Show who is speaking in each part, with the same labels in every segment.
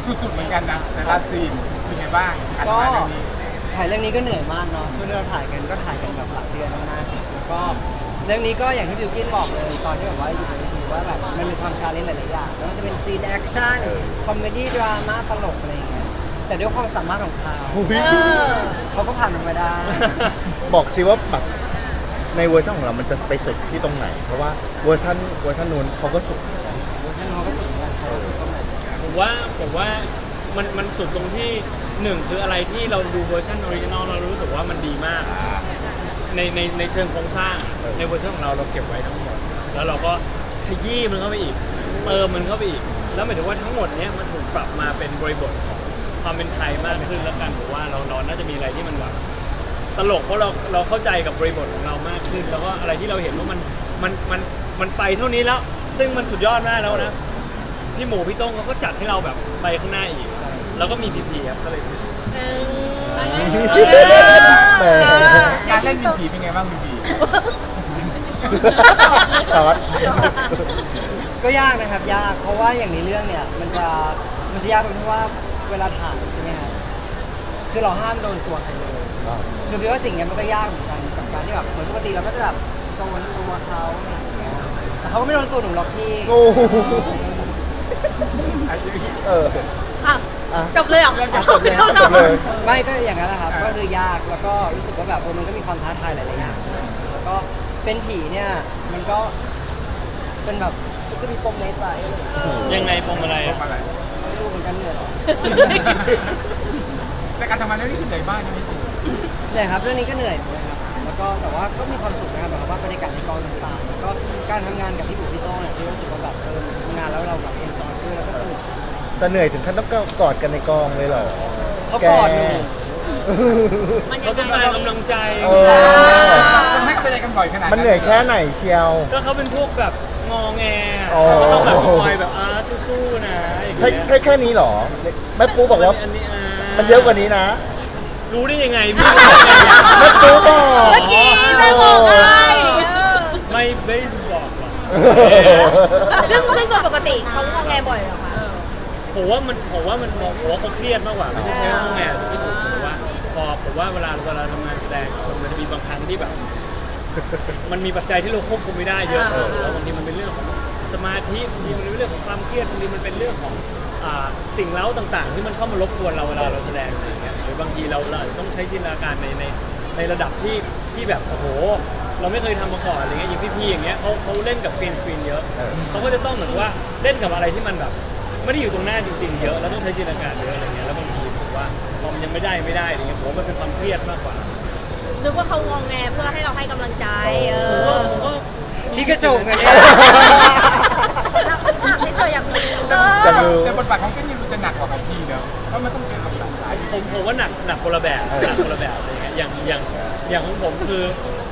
Speaker 1: สุดๆเหมือนกันนะแต่ละซีนเป็นไงบ้างการ
Speaker 2: ก็
Speaker 1: ทำงานเรื่องนี้
Speaker 2: ถ่ายเรื่องนี้ก็เหนื่อยมากเนาะช่วงที่เราถ่ายกันก็ถ่ายกันแบบหลายเดือนมากๆแล้วก็เรื่องนี้ก็อย่างที่บิวกินบอกเลยตอนที่แบบว่าอยู่บนเวทีว่าแบบมันมีความชาเลนจ์หลายๆอย่างไม่ว่าจะเป็นซีนแอคชั่นคอมเมดี้ดราม่าตลกอะไรอย่างเงี้ยแต่ด้วยความสามารถของเขา เขาก็ผ่านมันมาได้
Speaker 3: บอกสิว่าแบบในเวอร์ชันของเรามันจะไปสุดที่ตรงไหน เพราะว่าเวอร์ชันนู้นเขาก็สุด
Speaker 2: เวอร์ชันเขาก็สุดเหมือนกันเขาก็สุดตรงไหน
Speaker 4: ผมว่ามันสุดตรงที่หนึ่งคืออะไรที่เราดูเวอร์ชันออริจินอลเรารู้สึกว่ามันดีมากในเชิงโครงสร้างในเวอร์ชันของเราเก็บไว้ทั้งหมดแล้วเราก็ขยี้มันเข้าไปอีกเติมมันเข้าไปอีกแล้วหมายถึงว่าทั้งหมดเนี้ยมันถูกปรับมาเป็นบริบทของความเป็นไทยมากขึ้นแล้วกันผมว่าเราน่าจะมีอะไรที่มันแบบตลกเพราะเราเข้าใจกับบริบทของเรามากขึ้นแล้วก็อะไรที่เราเห็นว่ามันไปเท่านี้แล้วซึ่งมันสุดยอดมากแล้วนะพี่หมูพี่โต้งเขาก็จัดให้เราแบบไปข้างหน้าอีกแล้วก็มีพีพีครับก็เลยสุด
Speaker 1: การเล่นมีผีเป็นไงบ้างมีผี
Speaker 3: สวัสด
Speaker 2: ก็ยากนะครับยากเพราะว่าอย่างในเรื่องเนี่ยมันจะยากตรงที่ว่าเวลาถ่ายใช่ไหมครับคือเราห้ามโดนตัวใครเลยคือพี่ว่าสิ่งนี้มันก็ยากเหมือนกันกับการที่แบบเหมือนปกติเราก็จะแบบโดนตัวเขาอะไรอย่างเงี้ยแต่เขาก็ไม่โดนตัวหนูหรอกพี่
Speaker 3: โอ้โหเออ
Speaker 5: อ่ะจบเลยเหรอ
Speaker 1: จบเลย
Speaker 5: จบ
Speaker 3: จบเลย
Speaker 2: ไม่ก็อย่างนั้นนะครับก็คือยากแล้วก็รู้สึกว่าแบบมันก็มีความท้าทายหลายๆอย่างแล้วก็เป็นผีเนี่ยมันก็เป็นแบบจะมีปมในใจอะไรอย่างเงี้ย
Speaker 4: ยังไงปมอะไร
Speaker 1: บอกอะไร
Speaker 2: ไม่รู้เหมือนกันเหนื่อยหรอ
Speaker 1: แต่การทำงานเรื่องนี้คือเหนื่อยมากใช่ไหมพี่
Speaker 2: เหนื่อยครับเรื่องนี้ก็เหนื่อยเหมือนกันครับแล้วก็แต่ว่าก็มีความสุขนะครับแบบว่าบรรยากาศในกองต่างๆแล้วก็การทำงานกับพี่บุ๋มพี่โต้งเนี่ยที่รู้สึกว่าแบบทำงานแล้วเราแบบเอนจอยด้วยแล้วก็สนุก
Speaker 3: แต่เหนื่อยถึงขั้นต้องกอดกันในกองเลยเหรอ
Speaker 2: เขากอดหนู
Speaker 5: มันยั
Speaker 4: เขา
Speaker 5: ง
Speaker 4: ต้อง
Speaker 5: ไง
Speaker 4: การกำลังใจ
Speaker 3: เออ
Speaker 1: ต้องให้กำลังใจกันบ่อยขนาด
Speaker 3: มันเหนื่อยแค่ไหนเชียว
Speaker 4: ก็เขาเป็นพวกแบบงอแง
Speaker 3: อ๋อ
Speaker 4: เขาก็ต้องแบบคอยแบบสู้ๆนะอย่าง
Speaker 3: ใช่
Speaker 4: เงี้ย
Speaker 3: ใช่แค่นี้เหรอแม่ปูบอกว่า
Speaker 4: อันนี้
Speaker 3: มันเยอะกว่านี้นะ
Speaker 4: รู้ได้ยังไง
Speaker 3: แม่ปูบอก
Speaker 5: เมื่อกี้แม่บอกไง
Speaker 4: ไม่ได้บอกหรอก
Speaker 5: ซึ่งตัวปกติเขางอแงบ่อยเหรอคะ
Speaker 4: ผมว่าเขาเครียดมากกว่าไม่ใช่ใช้งอแงที่ผมรู้สึกว่าผมว่าเวลาทำงานแสดงมันจะมีบางครั้งที่แบบ มันมีปัจจัยที่เราควบคุมไม่ได้เยอะแล้วบางทีมันเป็นเรื่องของสมาธิบางทีมันเป็นเรื่องของความเครียดบางทีมันเป็นเรื่องของสิ่งเร้าต่างๆ ที่มันเข้ามารบกวนเราเวลาเราแสดงอะไรอย่างเงี้ยหรือบางทีเราอาจจะต้องใช้จินตนาการในระดับที่แบบโอ้โหเราไม่เคยทำมาก่อนอะไรเงี้ยอย่างพี่ๆอย่างเงี้ยเขาเล่นกับกรีนสกรีนเยอะเขาก็จะต้องเหมือนว่าเล่นกับอะไรที่มันแบบไม่ได้อยู่ตรงหน้าจริงๆเยอะแล้วต้องใช้จินตนาการเยอะอะไรเงี้ยแล้วบางทีผมว่าพอมันยังไม่ได้อะไรเงี้ยผมว่ามันเป็นความเครียดมากกว่า
Speaker 5: นึกว่าเขางอแงเพื่อให้เราให้กำลังใจ
Speaker 4: ผมว่า
Speaker 2: พี่กระโจงกันเนี่ย
Speaker 5: เราถามเฉยๆอยากรู้
Speaker 3: จะรู้
Speaker 1: แต่บทบาทของเก้นนี่มันจะหนักกว่าของพี่เนอะเพราะมันต้องเจอกับหลากหลาย
Speaker 4: ผมว่าหนักคนละแบบอะไรเงี้ยอย่างของผมคือ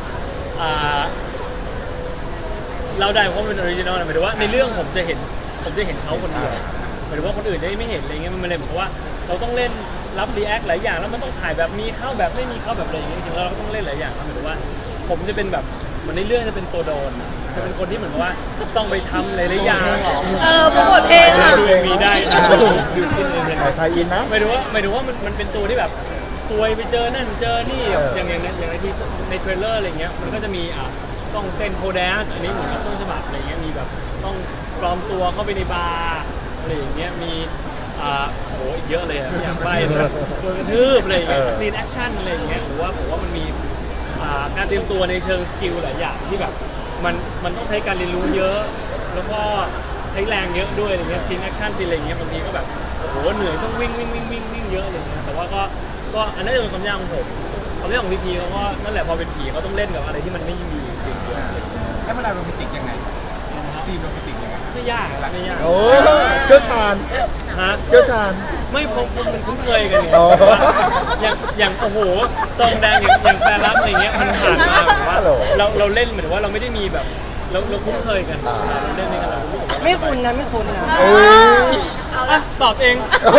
Speaker 4: เราได้เพราะมันเป็นออริจินอลนะหมายถึงว่าในเรื่องผมจะเห็นเขาคนเดียวหมายถึงว่าคนอื่นจะไม่เห็นอะไรเงี้ยมันเลยเหมือนกับว่าเราต้องเล่นรับรีแอคหลายอย่างแล้วมันต้องถ่ายแบบมีเข้าแบบไม่มีเข้าแบบอะไรอย่างเงี้ยจริงๆแล้วเราก็ต้องเล่นหลายอย่างหมายถึงว่าผมจะเป็นแบบเหมือนในเรื่องจะเป็นตัวโดนจะเป็นคนที่เหมือนกับว่าต้องไปทำหลายๆอย่าง
Speaker 5: โปรโมทเพลงอ่ะ
Speaker 4: ดูมีได้นะดูขึ้นเลย
Speaker 3: สายไทยอินนะ
Speaker 4: หมายถึงว่ามันเป็นตัวที่แบบซวยไปเจอนั่นเจอนี่อย่างในที่ในเทรลเลอร์อะไรเงี้ยมันก็จะมีต้องเต้นโคแดนซ์อันนี้เหมือนกับต้นฉบับอะไรเงี้ยมีแบบต้องปลอมตัวเข้าไปในบาร์อะไรอย่างเงี้ยมีโหอีกเยอะเลยไม่อยากไปเลยโดนกระทืบอะไรอย่างเงี้ยซีนแอคชั่นอะไรอย่างเงี้ยหรือว่าผมว่ามันมีการเตรียมตัวในเชิงสกิลหลายอย่างที่แบบมันต้องใช้การเรียนรู้เยอะแล้วก็ใช้แรงเยอะด้วยอะไรเงี้ยซีนแอคชั่นซีนอะไรเงี้ยบางทีก็แบบโอ้โหเหนื่อยต้องวิ่งเยอะอะไรเงี้ยแต่ว่าก็อันนั้นจะเป็นความยากของผมความยากของพีเขาก็นั่นแหละพอเป็นผีเขาต้องเล่นกับอะไรที่มันไม่มีจริงๆเยอะ
Speaker 1: แล้วเวลาโรแมนติกยังไงซีนโรแมนติกยังไง
Speaker 4: ไม่ยาก
Speaker 3: โอ้เชี่ยวชาญ
Speaker 4: ฮะ
Speaker 3: เชี่ยวชาญ
Speaker 4: ไม่ผมมันคุ้นเคยกันเนี่ย
Speaker 3: อ๋อ
Speaker 4: อย่างโอ้โหซองแดงอย่างแฟนรับอะไรเงี้ยมันผ่านมาแบบว่า
Speaker 3: ฮัลโหล
Speaker 4: เราเล่นเหมือนว่าเราไม่ได้มีแบบเราคุ้นเคยกันเราเล่นด้วยกันเรารู้สึกว่า
Speaker 2: ไม่คุ้นนะไม่คุ้นนะ
Speaker 3: โอ้ย
Speaker 4: อ่ะตอบเอง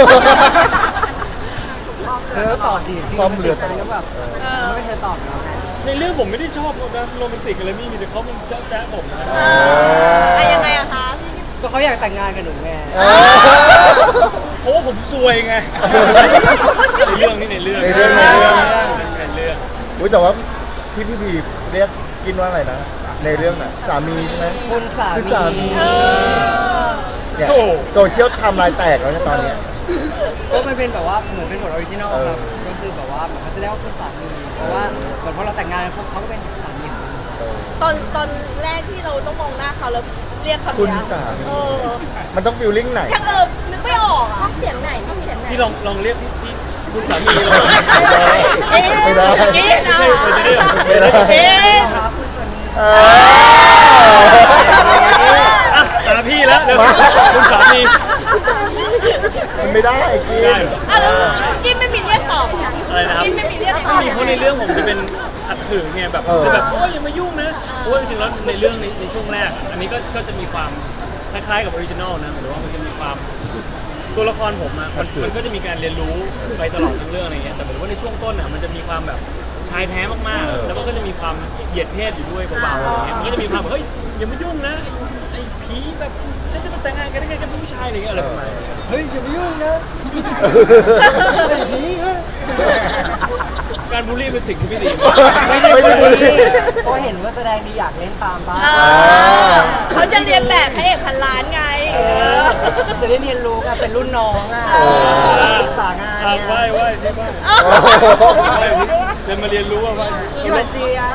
Speaker 2: เธอตอบสิ
Speaker 3: ความเหลือ
Speaker 2: มันก็แบบไม่เธอตอบแล้วไง
Speaker 4: ในเรื่องผมไม่ได้ชอบนะโรแมนติกอะไรมีแต่เขาเป็นแจ๊ะผมนะ
Speaker 5: ยังไงอะคะ
Speaker 2: ก็เขาอยากแต่งงานกับหนูไง
Speaker 4: เพราะว่าผมวยไงในเรื่องนี่ในเรื่อง
Speaker 3: ในเรื่อง
Speaker 4: ในเรื่อง
Speaker 3: อุ้ยแต่ว่าพี่พีเรียกกินว่าอะไรนะ ในเรื่องน่ะสามีใช่ไหม
Speaker 2: คุณสา
Speaker 3: คือ
Speaker 2: มี
Speaker 3: สามีเนี่ย
Speaker 4: โอ้
Speaker 3: โซเชียลไทำลายแตกแล้วเนี่ยตอนเนี้ย
Speaker 2: ก็มันเป็นแบบว่าเหมือนเป็นบทออริจินอลครับก็คือแบบว่าเหมือนเขาจะเรียกว่าคุณสามีเพราะว่าเหมือนพอเราแต่งงานแล้วพวกเขาก็เป็นสามีของเรา
Speaker 5: ตอนแรกที่เราต้องมองหน้าเขาแล้วเรียกคำ
Speaker 3: คุณ
Speaker 5: นี้
Speaker 3: สามี
Speaker 5: เออ
Speaker 3: มันต้องฟีลลิ่งไหน
Speaker 5: ยังนึกไม่ออกชอบเสียงไหนชอบเสียงไหน
Speaker 4: พี่ลองเรียกพี่คุณสามีเรา
Speaker 5: เอ๊ะ
Speaker 3: ไม่ได้
Speaker 5: กินเอา
Speaker 3: ไม่ได้
Speaker 5: เอ๊ะ
Speaker 3: เออ
Speaker 4: อ่ะตาพี่แล้วเดี๋ยวคุณสามี
Speaker 3: มันไม่ได้กิน
Speaker 4: ได้เหรอ
Speaker 5: อ่ะแล้วกินไม่มีเรียกตอบเหรอ
Speaker 4: อะไรนะครับ
Speaker 5: กินไม่มีเรียกต
Speaker 4: ไม่
Speaker 5: อบ
Speaker 4: มีเพราะในเรื่องผมจะเป็นขัดขืนไงแบบจะแบบโอ้ยอย่ามายุ่งนะเพราะว่าจริงๆแล้วในเรื่องในช่วงแรก อันนี้ก็จะมีความคล้ายๆกับออริจินอลนะหรือว่ามันจะมีความตัวละครผมอะมันก็จะมีการเรียนรู้ไปตลอดทั้งเรื่องอะไรเงี้ยแต่เหมือนว่าในช่วงต้นอะมันจะมีความแบบชายแท้มากๆแล้วก็จะมีความเหยียดเพศอยู่ด้วยเบาๆอะไรเงี้ยมันก็จะมีความแบบเฮ้ยอย่ามายุ่งนะไอ้ผีแบบฉันจะมาแต่งงานกันได้ไงกับผู้ชายอะไรเงี้ยอะไรประมาณนี้
Speaker 2: เฮ้ยอย่าไปยุ่งนะไอ้ผีเฮ้ย
Speaker 4: การบูลลี่เป็นสิ่งที่ไม่ดี
Speaker 3: ไม่ได้บูลลี่
Speaker 2: เพราะเห็นว่าแสดงดีอยากเล่นตามบ้าง
Speaker 5: เออเขาจะเรียนแบบพระเอกพันล้านไง
Speaker 2: จะได้เรียนรู้กันเป็นรุ่นน้องอ่ะศึกษางาน
Speaker 4: อ่ะ
Speaker 2: เนี่ย
Speaker 4: ไหว้ใช่ป่ะเรียนมาเรียนรู้ว่า
Speaker 2: พี่วันเจีย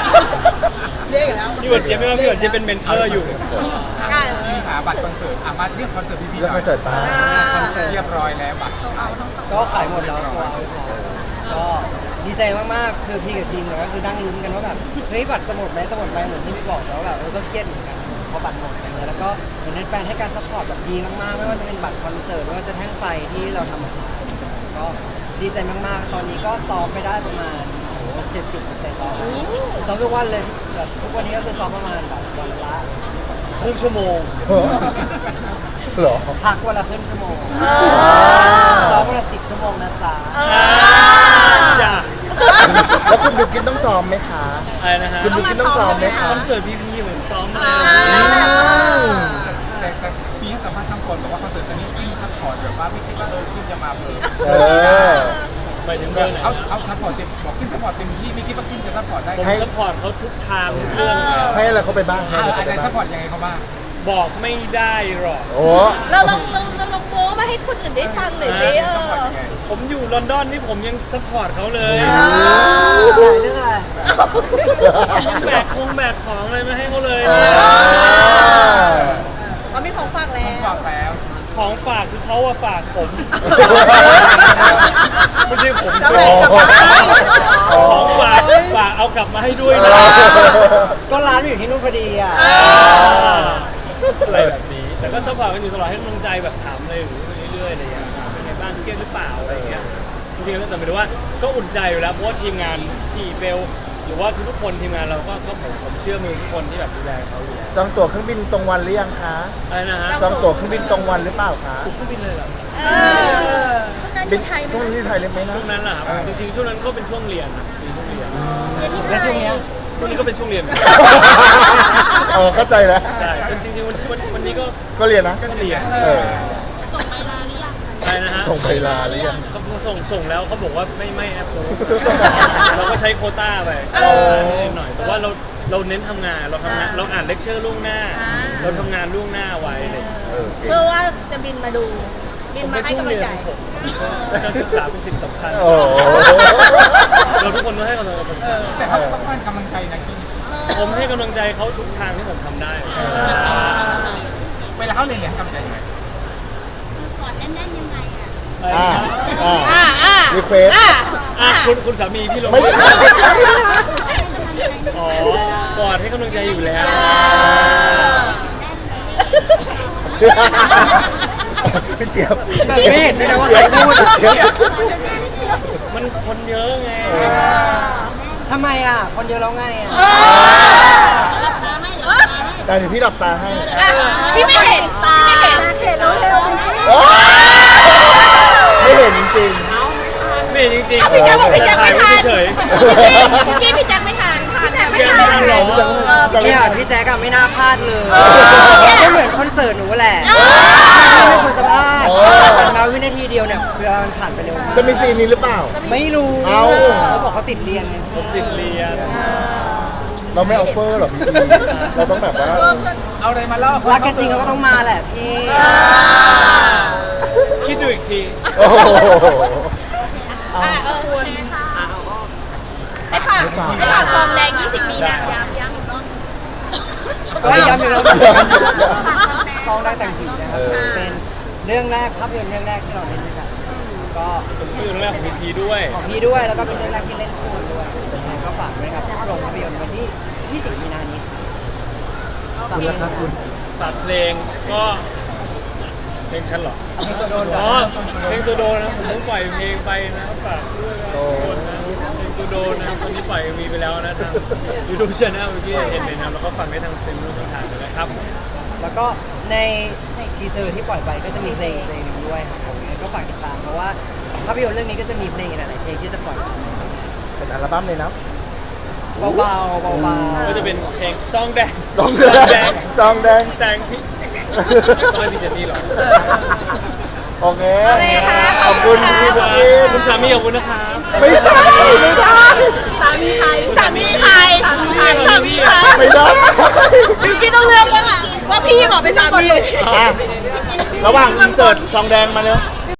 Speaker 4: พี่หวันเจี๊ยบไม่ว่าพี่หวันเจี๊ยบเป็นเมนเทอร์อยู่
Speaker 5: อ่ะ
Speaker 1: พี่หาบัตรคอนเสิร์ตมาเรียกคอนเสิร์ตพี่ๆ
Speaker 3: แล้ว
Speaker 1: หน่
Speaker 3: ค
Speaker 1: อ
Speaker 3: อย นเสิร์ตตา
Speaker 1: เรียบร้อยแล้วบัตร
Speaker 2: ก็ขายหมดแล้วสวายก็ดีใจมากๆคือพี่กับทีมเนี่ยก็คือนั่งลุ้นกันว่าแบบเฮ้ยบัตรจะหมดไหมจะหมดไหมเหมือนที่พี่บอกแล้วแบบก็เครียดเหมือนกันพอบัตรหมดอย่างเงี้ยแล้วก็เหมือนแฟนๆให้การซัพพอร์ตแบบดีมากๆไม่ว่าจะเป็นบัตรคอนเสิร์ตไม่ว่าจะแท่งไฟที่เราทำออกมาก็ดีใจมากๆตอนนี้ก็ซ้อมไปได้ประมาณ 70%แล้วซ้อมทุกวันเลยแบบทุกวันนี้ก็คือซ้อมประมาณแบบวันละ
Speaker 4: ครึ่งชั่วโมง
Speaker 3: เหรอ
Speaker 2: พักวันละครึ่งชั่วโมง
Speaker 5: เออ
Speaker 2: ซ้อมวันละ10 ชั่วโมงนะจ๊ะ
Speaker 5: เออ
Speaker 4: จ้ะ
Speaker 3: แล้วคุณบิวกินต้องซ้อมไหมคะ
Speaker 4: อะไรนะฮะ
Speaker 3: คุณบิวกินต้องซ้อมไหมคะ
Speaker 4: คอนเสิร์ตพีเหมือนซ้อมเลย
Speaker 1: แต่พี่ให้สัมภาษณ์ทั้งคนบอกว่าคอนเสิร์ตอันนี้พี่ซัพพอร์ตแบบว่าไม่คิดว่าขึ้นจะมาเพิ่ม
Speaker 3: เออ
Speaker 4: ไปถึงเรื่องไหน
Speaker 1: เอาซัพพอร์ตเต็มบอกขึ้นซัพพอร์ตเต็มที่ไม่คิดว่าขึ้นจะซัพพอร์ตได้
Speaker 4: ผม
Speaker 1: ไง
Speaker 4: สปอร์ตเขาทุกทางทุกเรื่อง
Speaker 3: ให้อะไรเขาไปบ้างให้
Speaker 1: อะ
Speaker 3: อะไรเขา
Speaker 1: ไร
Speaker 3: ไป
Speaker 1: ซัพพอ
Speaker 3: บ้า
Speaker 1: ร์
Speaker 3: ง
Speaker 1: ตยังไงเขาบ้าง
Speaker 4: บอกไม่ได้หรอก
Speaker 3: โอ้
Speaker 5: เราลองโม้มาให้คนอื่นได้ฟังหน่อยสิเอ
Speaker 1: ซัพพอร์ต
Speaker 5: อ
Speaker 1: ยังไง
Speaker 4: ผมอยู่ลอนดอนนี่ผมยังสปอร์ตเขาเลย
Speaker 2: เรื่องอะไร
Speaker 4: ยังแบกของอะไรมาให้เขาเลย
Speaker 5: เขามีของฝากแล้ว
Speaker 1: บอกแล้ว
Speaker 4: ของฝากคือเขาอะฝากผม ไม่ใช่ผม
Speaker 3: จะแบ่งกลับมา
Speaker 4: ของฝากเอากลับมาให้ด้วยนะ
Speaker 2: ก็ร้านมันอยู่ที่นู่นพอดีอ่ะ
Speaker 4: อะไรแบบนี้ แต่ก็สปอร์ตกันอยู่ตลอดให้กำลังใจแบบถามเลยเรื่อยๆอะไรอย่างเงี้ยเป็นไงบ้างเครียดหรือเปล่าอะไรอย่างเงี้ยจริงๆแล้วแต่หมายถึงว่าก็อุ่นใจอยู่แล้วเพราะว่าทีมงานพี่เบลหรือว่าทุกๆคนทีมงานเราก็ผมเชื่อมือทุกคนที่แบบดูแลเขาอยู่แล้ว
Speaker 3: จองตั๋วเครื่องบินตรงวันหรือยังคะ
Speaker 4: อะไรนะฮะ
Speaker 3: จองตั๋วเครื่องบินตรงวันหรือเปล่าคะ
Speaker 4: ทุกเครื่องบินเลยเหรอ
Speaker 3: บินช่วงนี้ที่ไทยเลยไหมนะ
Speaker 4: ช่วงนั้นแหละครับจริงๆช่วงนั้นก็เป็นช่วงเรียนนะเป็นช่วงเรียน
Speaker 2: และช่วงเนี้ย
Speaker 4: ช่วงนี้ก็เป็นช่วงเรียน
Speaker 3: อ๋อเข้าใจแล้ว
Speaker 4: ใช่จริงๆวันนี้ก็
Speaker 3: ก็เรียนนะ
Speaker 4: เรียน
Speaker 3: เออ
Speaker 4: ใช่นะฮะ
Speaker 3: ส่งไปลาหรือยัง
Speaker 4: เขาส่งแล้วเขาบอกว่าไม่แอปโพสเราก็ใช้โควต้าไปนิดหน่อยแต่ว่าเราเน้นทำงานเราทำงานเราอ่านเลคเชอร์ล่วงหน้า เราทำงานล่วงหน้าไว้อะไรอย่างเงี้ย
Speaker 3: เออ
Speaker 5: เพื่อว่าจะบินมาดูบินมาให้กำลังใจ
Speaker 4: การศึกษาเป็นสิ่งสำคัญ
Speaker 3: โอ้โห
Speaker 4: เราทุกคนต้องให้กำลังใจ
Speaker 1: แต่เขาต้องให้กำลังใจนะกิน
Speaker 4: ผมให้กำลังใจเขาทุกทางที่ผมทำได้
Speaker 1: เวลาเขาเรียนให้กำลังใจยังไง
Speaker 3: อ่ารีเควส
Speaker 4: คุณสามีพี่ลง
Speaker 3: ไม่
Speaker 4: อ๋อกอดให้กำลังใจอยู่แล้ว
Speaker 3: พี่เจี๊ยบ
Speaker 2: แบบไม่เห็นด้วยนะว่าใครพูดอะ
Speaker 3: เจี๊ยบ
Speaker 4: มันคนเยอะไง
Speaker 2: ทำไมอ่ะ คนเยอะแล้วไงอ่ะ
Speaker 3: แต่เดี๋ยวพี่หลับตาให้
Speaker 5: พี่ไม่เห็นตาไม่เห็น
Speaker 3: โอ้ไม่เห็นจริง
Speaker 4: ไม่จริง
Speaker 5: พี่แจ๊คบอกพี่แจ๊คไม่ทัน
Speaker 4: เฉย
Speaker 5: พี่แจ๊คไม่ทันพี่แจ๊คไม่
Speaker 4: แจ๊คไม่ทั
Speaker 5: ทั
Speaker 4: น
Speaker 5: น
Speaker 4: หรอ
Speaker 5: พ
Speaker 3: จะไม่
Speaker 2: เนี่ย
Speaker 3: ทัน
Speaker 2: พี่แจ๊กอะไม่น่าพลาดเลย
Speaker 5: เนี่ย
Speaker 2: ก็เหมือนคอนเสิร์ตหนูแหละไม่ควรจะพลาดแต่มาวินาทีเดียวเนี่ยเวลามันผ่านไปเร็วมาก
Speaker 3: จะมีซีนนี้หรือเปล่า
Speaker 2: ไม่รู้
Speaker 3: เอ้า
Speaker 2: เขาบอกเขาติดเรียนไง
Speaker 4: ติดเรียน
Speaker 3: เราไม่ออฟเฟอร์หรอกพี่เราต้องแบบว่า
Speaker 1: เอาอะไรมาเล่า
Speaker 2: รักกันจริงเขาก็ต้องมาแหละพี่
Speaker 4: คิดดูอีกที
Speaker 3: โอ้โห
Speaker 5: คุณให้ฝากทองแดง 20 มีนาย้ำอีกรอบ
Speaker 2: ก็ย้ำอยู่แล้วฟองได้แต่งผีนะครับเป็นเรื่องแรกภาพยนตร์เรื่องแรกที่เราเล่นด้วยกันก็
Speaker 4: เป็นเรื่องแรกของพีด้วย
Speaker 2: ของพี่ด้วยแล้วก็เป็นเรื่องแรกที่เล่นคู่กันด้วยยังไงก็ฝากด้วยนะครับโรงภาพยนตร์วันที่20 มีนานี้
Speaker 3: คุณละครับคุณ
Speaker 4: ฝากเพลงก็เพลงฉันเหรอ
Speaker 2: เพลงตัวโดน
Speaker 4: อ๋อเพลงตัวโดนนะผมเพิ่งปล่อยเพลงไปนะฝากด้วยนะทุกคนนะเพลงตัวโดนนะตอนนี้ปล่อยมีไปแล้วนะทาง YouTube Channel เมื่อกี้เห็นเลยนะแล้วก็ฟังได้ทางเฟซบุ๊กช่องทางเลยนะครับ
Speaker 2: แล้วก็ในทีเซอร์ที่ปล่อยไปก็จะมีเพลงหนึ่งด้วยครับผมก็ฝากติดตามเพราะว่าภาพยนตร์เรื่องนี้ก็จะมีเพลงหลายๆเพลงที่จะปล่อย
Speaker 3: เป็นอัลบั้มเลยนะ
Speaker 2: เบาๆเบาๆ
Speaker 4: ก็จะเป็นเพลงซองแดง
Speaker 3: ซองแดงซองแดง
Speaker 4: แดงพี่ก็ไม่มีเจนนี่หรอก
Speaker 3: โอเค
Speaker 5: โอเคค่ะ
Speaker 3: ขอบคุณพี่บุ๊กี้
Speaker 4: คุณสามีขอบคุณนะครับ
Speaker 3: ไม่ใช่ไม่ได้
Speaker 5: สามีใครสามีใครสามีใคร
Speaker 3: ไม่ได้
Speaker 5: บิวกี้ต้องเลือกว่าพี่บอกเป็นสามี
Speaker 3: อ่ะระหว่างอินเสิร์ตซองแดงมาเร็ว